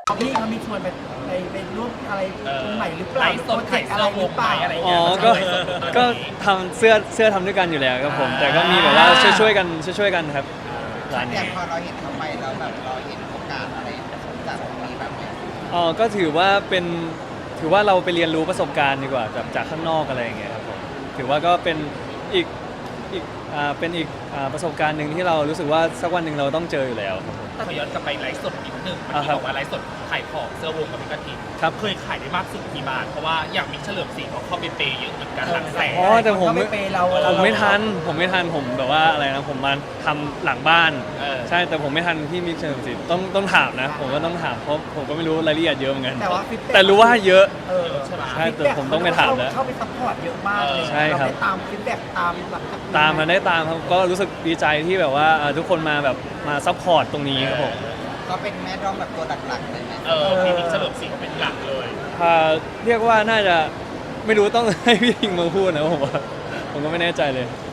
พี่เขามีชวนไปร่วมอะไรตรงไหนหรือเปล่าไลฟ์สดโปรเจกต์อะไรหรือเปล่าอะไรอ๋อก็ทำเสื้อทำด้วยกันอยู่แล้วครับผมแต่ก็มีแบบว่าช่วยกันครับร้านนี้อย่างพอเราเห็นเขาไปแล้วแบบเราเห็นโอกาสอะไรจากตรงนี้แบบเนี้ยอ๋อก็ถือว่าเราไปเรียนรู้ประสบการณ์ดีกว่าจากข้างนอกอะไรอย่างเงี้ยครับผมถือว่าก็เป็นอีกประสบการณ์หนึ่งที่เรารู้สึกว่าสักวันหนึ่งเราต้องเจออยู่แล้วครับผมขอย้อนกลับไปไลฟ์สดนิดนึงเมื่ออ่ากี้ครับบอกว่าไลฟ์สดขายของเสื้อวงกับพิกาทีครับเคยขายได้มากสุดกี่บาทเพราะว่าอย่างมิกเฉลิมศรีเขาเข้าไปเปย์เยอะเหมือนกันหลักแสนอ๋อแต่ผมเขาไปเปย์เราผมไม่ทันผมแบบว่าอะไรนะผมมาทำหลังบ้านเออใช่แต่ผมไม่ทันที่มิกเชลสิต้องถามนะผมก็ต้องถามเพราะผมก็ไม่รู้รายละเอียดเยอะเหมือนกันแต่ว่า feedback แต่รู้ว่าเยอะใช่ไหมใช่แต่ผมต้องไปถามแล้วเข้าไปซัพพอร์ตเยอะมากเลยใช่ครับเาไปตามฟีดแบ็กตามแบบตามมาได้ตามครับก็รู้สึกดีใจที่แบบว่าทุกคนมาแบบมาซัพพอร์ตตรงนี้ครับผมก็เป็นแม่ด้อมแบบตัวหลักๆเลยไหมพี่มิกเฉลิมศรีเขาเป็นหลักเลยเรียกว่าน่าจะไม่รู้ต้องให้พี่ทิงมาพูดนะผมว่าผมก็ไม่แน่ใจเลย